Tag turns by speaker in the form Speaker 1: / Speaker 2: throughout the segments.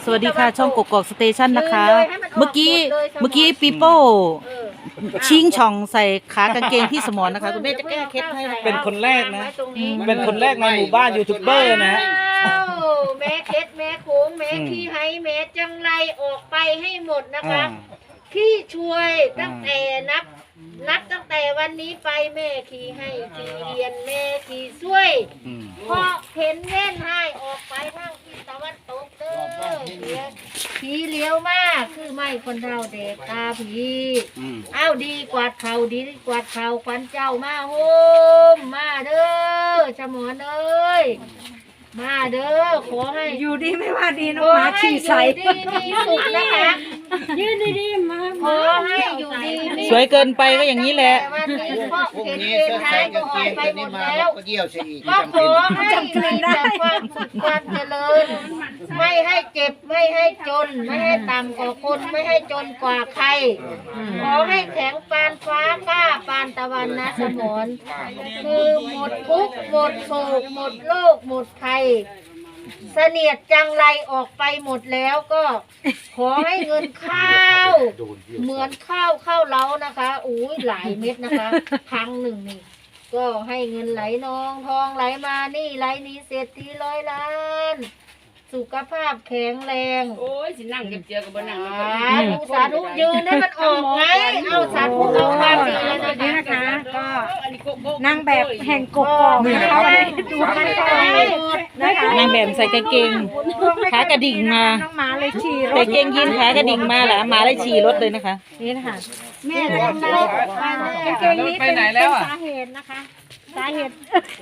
Speaker 1: สวัสดีค่ะช่องกกอกสเตชันนะคะเมื่อกี้ปีโป้ชิงช่องใส่ขากางเกงพี่สมรนะคะคุณแม่จะแก้เคล็ดให้
Speaker 2: เป็นคนแรกนะเป็นคนแรกในหมู่บ้านยูทูบเบอร์นะ
Speaker 3: แม่เคล็ดแม่โค้งแม่ขี้ไห้แม่จังไรออกไปให้หมดนะคะพี่ช่วยตั้งแต่นับตั้งแต่วันนี้ไปแม่ขี่ให้ขี่เรียนแม่ขี่ช่วยพอเห็นเล่นให้ออกไปทางทิศตะวันตกเด้อผีเลี้ยวมากคือไม่คนเราเด็กตาผีเอ้าดีกว่าเขาดีกว่าเขาควันเจ้ามาโฮมมาเด้อชะมอนเอ้ยมาเด้อขอให้
Speaker 4: อยู่ดีไม่ว่าดีน้องหมาฉี่ใส่
Speaker 3: ดีมีสุขนะคะ
Speaker 4: ยืนดีๆมา
Speaker 3: ขอให้อยู่ดี
Speaker 1: สวยเกินไปก็อย่างนี้แหละ
Speaker 3: วันนี้พ่อเห็นเกณฑ์ท้ายก็ออกไปหมดแล้วก็ขอให้มีแต่ความสุขความเจริญไม่ให้เจ็บไม่ให้จนไม่ให้ต่ำกว่าคนไม่ให้จนกว่าใครขอให้แข็งปานฟ้ากล้าปานตะวันนะสมรคือหมดทุกข์หมดโศกหมดโรคหมดภัยเสนียดจังไรออกไปหมดแล้วก็ขอให้เงินข้าวเหมือนข้าวเล้านะคะอุ้ยหลายเม็ดนะคะครั้งหนึ่งนี่ก็ให้เงินไหลนองทองไหลมานี่ไหลนี้เศรษฐีร้อยล้านสุขภาพแข็งแรง
Speaker 5: โอ้ยสินั่งเจียวกับบนนั่ง
Speaker 3: สาธุยืนให้มันออกไงเอาสาธุเอามาดีเลย
Speaker 4: นะคะก็นางแบบแห่งกกอกนะคะดูกันต่อ
Speaker 1: นะคะนางแบบใส่กางเกงขากระดิ่งมา
Speaker 4: น้องหมาเลยฉี่
Speaker 1: ใส่เกงยีนขากระดิ่งมาแหละหมาเลยฉี่รถเลยนะคะ
Speaker 4: นี่นะคะแม่ทำไรกางเกงนี้เป็นสาเหตุนะคะสาเหตุ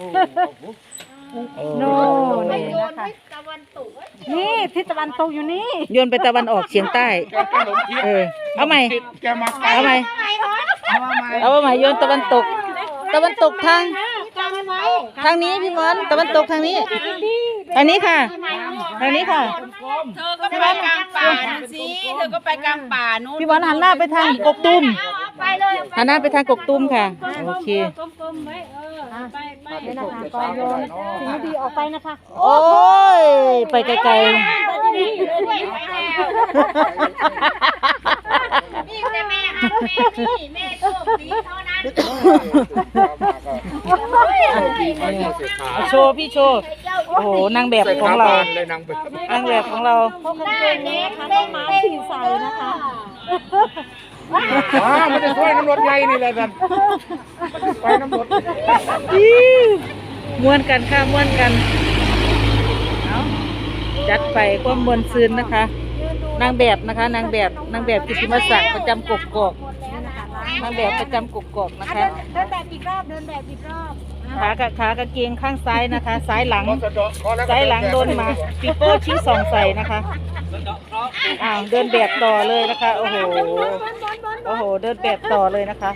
Speaker 4: โน่นี่นะคะนี่ทิศตะวันตกอยู่นี่
Speaker 1: โยนไปตะวันออกเฉียงใต้เอาใหม่เอาใหม่โยนตะวันตกทางนี้พี่มอนตะวันตกทางนี้ทางนี้ค่ะ
Speaker 5: เธอก็ไปกลางป่าสิเธอก็ไปกลางป่านู้น
Speaker 1: พี่มอนหันหน้าไปทางกกตุ้มหันหน้าไปทางกกตุ้มค่ะโอเค
Speaker 4: ไปนะคะก่อนโยนสิ่งไม่ดีออกไปนะคะ
Speaker 1: โอ้ยไปไกลๆ
Speaker 3: นี่แต่แม่ฮักแม่นี่แม่โชคดีเท่านั้น
Speaker 1: โชว์พี่โชว์โอ้โหนางแบบของเรานางแบบของเรา
Speaker 3: หน้าเน็กเต้นมาฉี่ใส่นะคะ
Speaker 2: มันจะช่วยน้ำรถใหญ่นี่แหละกันไปน้ำรถ
Speaker 1: ม้วนกันค่ะม้วนกันเอาจัดไปความมวลซืนนะคะนางแบบนะคะนางแบบกิตติมศักดิ์ประจำกกอกนางแบบประจำกกอกนะคะ
Speaker 4: เดินแบบอีกรอบ
Speaker 1: ขากางเกงข้างซ้ายนะคะซ้ายหลังโดนมาปีโป้ชี้ส่องใส่นะคะเดินแบบต่อเลยนะคะโอ้โหเดินแบบต่อเลยนะคะ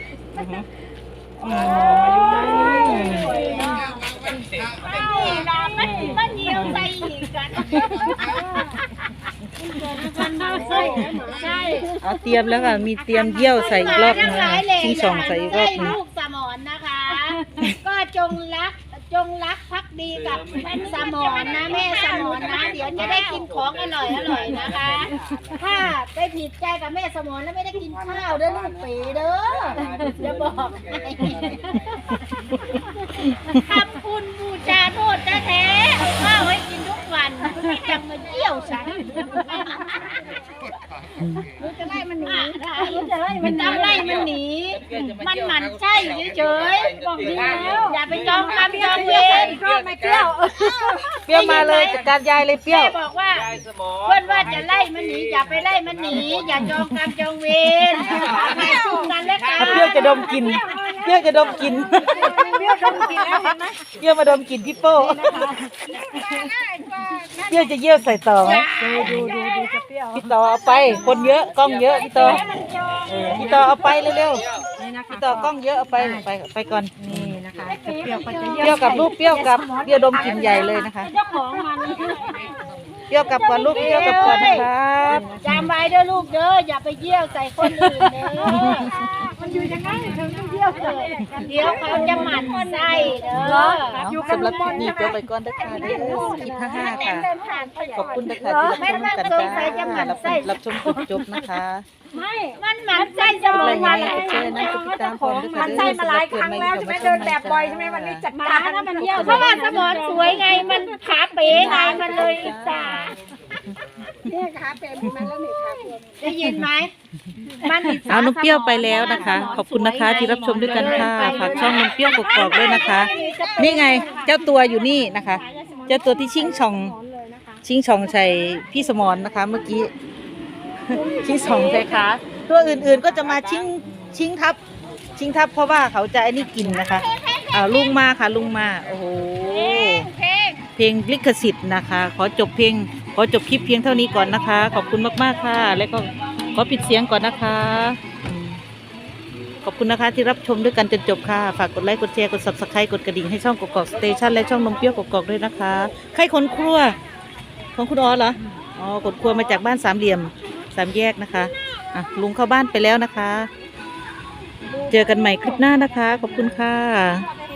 Speaker 3: มันเหี่ยวใส่อีกกัน
Speaker 1: ใช่เตรียมแล้วค่ะมีเตรียมเยี่ยวใส่อีกรอบนึงชี้ส่องใส่อีกรอบนึง
Speaker 3: ลูกสมรนะคะก็จงรักภักดีกับสมรนะแม่สมรนะเดี๋ยวจะได้กินของอร่อยนะคะถ้าไปผิดใจกับแม่สมรแล้วไม่ได้กินข้าวเด้อลูกปีเด้อจะบอกทำคุณบูชาโทษแท้ๆเอาข้าวให้กินทุกวันจะมาเยี่ยวฉันรู้จะไล่มันหนีมันมันหมั่นไส้เฉยๆบอกดีแล้วอย่าไปจองคำจองเวร
Speaker 4: ไม่เปรี้ยว
Speaker 1: มาเลยจัดการยายเลยเปรี้ยว
Speaker 3: บอกว่าเพื่อนว่าจะไล่มันหนีอย่าไปไล่มันหนีอย่าจองคำจองเวรให้สู้กันและกัน
Speaker 1: เปรี้ยวจะดมกลิ่นเปรี้ยวมาดมกลิ่นพี่โป้เปรี้ยวจะเยี่ยวใส่ต่อไหม
Speaker 4: ดูจะเปรี้ยว
Speaker 1: พี่ต่อเอาไปคนเยอะกล้องเยอะพี่ต่อเอาไปเร็วๆพี่ต่อกล้องเยอะเอาไปก่อน
Speaker 4: นี่นะคะเปรี้
Speaker 1: ยวกับลูกเปรี้ยวกับเปรี้ยวดมกลิ่นใหญ่เลยนะคะ
Speaker 4: เจ้าของมัน
Speaker 1: เปรี้ยวกับก่อนลูกเปรี้ยวกับก่อนนะครับ
Speaker 3: จำไว้เด้อลูกเด้ออย่าไปเยี่ยวใส่คนอื่นเด้อ
Speaker 4: มันอยู่ยังไงถึงเที่ยวเลย
Speaker 3: เดี๋ยวเขาจะหมั่นไส้เด้อ
Speaker 1: อยู่สำหรับคลิปนี้เดี๋ยวไปก่อนนะคะเด้อคลิป55ค่ะขอบคุณนะคะที่รับชมกันจ้ารับชมจบนะคะ
Speaker 4: ไม่
Speaker 3: มันหมั่นไส้จะ
Speaker 1: กด
Speaker 3: มอ
Speaker 1: ไล
Speaker 3: ง
Speaker 1: ค์
Speaker 3: วัน
Speaker 1: กดแชร์นะกดติดตามพร้อมด้วยค่ะ
Speaker 4: มันใส่มาหลายครั้งแล้วใช่ไหมเดินแบบบ่อยใช่ไหมวันนี้จัดการถ้ามันเที่ยว
Speaker 3: เพราะว่าสมอนสวยไงมันขาเป๋ไงมันเลยอิจฉา
Speaker 4: เนี่ยขาเต็มมันแล้วนี่ขาเต็ม
Speaker 3: ได้ยินไหมมันอิจฉา
Speaker 1: เอานมเปรี้ยวไปแล้วนะคะ ขอบคุณนะคะที่รับชมด้วยกันค่ะฝากช่องนมเปรี้ยวกรอกๆด้วยนะคะ นี่ไงเจ้าตัวอยู่นี่นะคะ เจ้าตัวที่ชิงช่องใส่พี่สมรนะคะ เมื่อกี้ ชิงช่องใส่ขาตัวอื่นๆก็จะมาชิงทับเพราะว่าเขาจะไอ้นี่กินนะคะลุงมาค่ะลุงมาโอ้โหเพลงลิขสิทธิ์นะคะ ขอจบคลิปเพียงเท่านี้ก่อนนะคะ ขอบคุณมากๆค่ะ แล้วก็ขอปิดเสียงก่อนนะคะขอบคุณนะคะที่รับชมด้วยกันจนจบค่ะฝากกดไลค์กดแชร์กด Subscribe กดกระดิ่งให้ช่องกกอกสเตชันและช่องนมเปรี้ยวกกอกด้วยนะคะใครคนครัวของคุณอ๋อเหรออ๋อคนครัวมาจากบ้านสามเหลี่ยม3 แยกนะคะลุงเข้าบ้านไปแล้วนะคะ เจอกันใหม่คลิปหน้านะคะขอบคุณค่ะ